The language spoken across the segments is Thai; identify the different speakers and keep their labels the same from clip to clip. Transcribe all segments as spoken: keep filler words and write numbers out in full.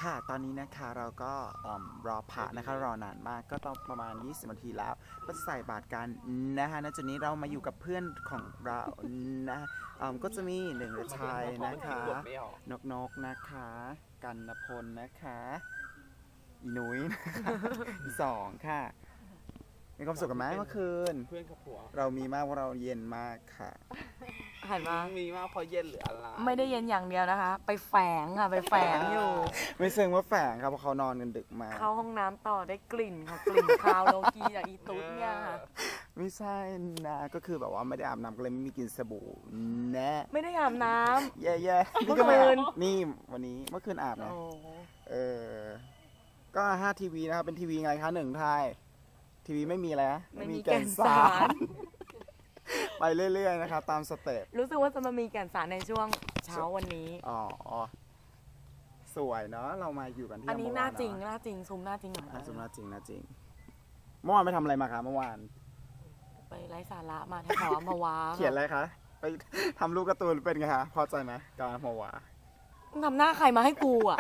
Speaker 1: ค่ะตอนนี้นะคะเราก็รอพระนะคะรอนานมากก็ต้องประมาณยี่สิบนาทีแล้วก็จะใส่บาตรกันนะคะณจุดนี้เรามาอยู่กับเพื่อนของเรานะก็จะมีหนึ่งชายนะคะนกนกนะคะกันณพลนะคะอีนุ้ยนะคะสองค่ะมีความสุขกันไหมเมื่อคืนเพื่อนกับผัวเรามีมากว่าเราเย็นมากค่ะ
Speaker 2: หันมา
Speaker 3: มีมากเพราะเย็นหรืออะไร
Speaker 2: ไม่ได้เย็นอย่างเดียวนะคะไปแฝงค่ะไปแฝงอยู่
Speaker 1: ไม่เชิงว่าแฝงครับเพราะเขานอนกันดึกมา
Speaker 2: เข้าห้องน้ำต่อได้กลิ่นค่ะกลิ่นคาวโลกีจากอีตุ๊ดเนี่ยค่ะ
Speaker 1: ไม่ใช่นะก็คือแบบว่าไม่ได้อาบน้ำก็เลยไม่มีกลิ่นสบู่นะ
Speaker 2: ไม่ได้อาบน้ำ
Speaker 1: แย่ๆเมื่อคืนนี่วันนี้เมื่อคืนอาบนะเออก็ห้าทีวีนะครับเป็นทีวีไงคะหนึ่งไทยทีวีไม่มีแล้ว
Speaker 2: ไม่มีแก่นสาร
Speaker 1: ไปเรื่อยๆนะครับตามสเต็ป
Speaker 2: รู้สึกว่าจะมามีแก่นสารในช่วงเช้าวันนี้
Speaker 1: อ๋อสวยเนาะเรามาอยู่กันที่
Speaker 2: อันนี้หน้าจริงหน้าจริงซูมหน้าจริงหน่อย
Speaker 1: ซูมหน้าจริงหน้าจริงเมื่อวานไปทำอะไรมาคะเมื่อวาน
Speaker 2: ไปไร้สาระมาแถวอัมพวา
Speaker 1: เขียนอะไรคะไปทำรูปการ์ตูนเป็นไงคะพอใจไหมการอัมพวา
Speaker 2: ทำหน้าใครมาให้กูอ่ะ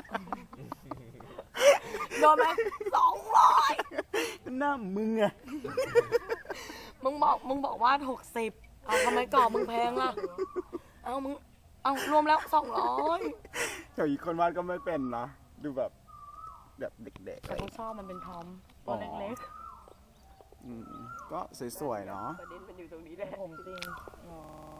Speaker 2: โดนไหมสองร้อย
Speaker 1: หน้ามึงอะ
Speaker 2: มึงบอกมึงบอกว่าหกสิบเอาทำไมก่อมึงแพงล่ะเอามึงเอารวมแล้วสองร้อย
Speaker 1: แถวอีกคนวาดก็ไม่เป็นเนาะดูแบบแบบเด็กๆ
Speaker 2: แต่เขาชอบมันเป็นทอมตัวเล็ก
Speaker 1: ๆก็สวยๆเนาะ
Speaker 3: ประเด็นมันอยู่ตรงนี้แหละ
Speaker 2: ผมจริงอ๋อ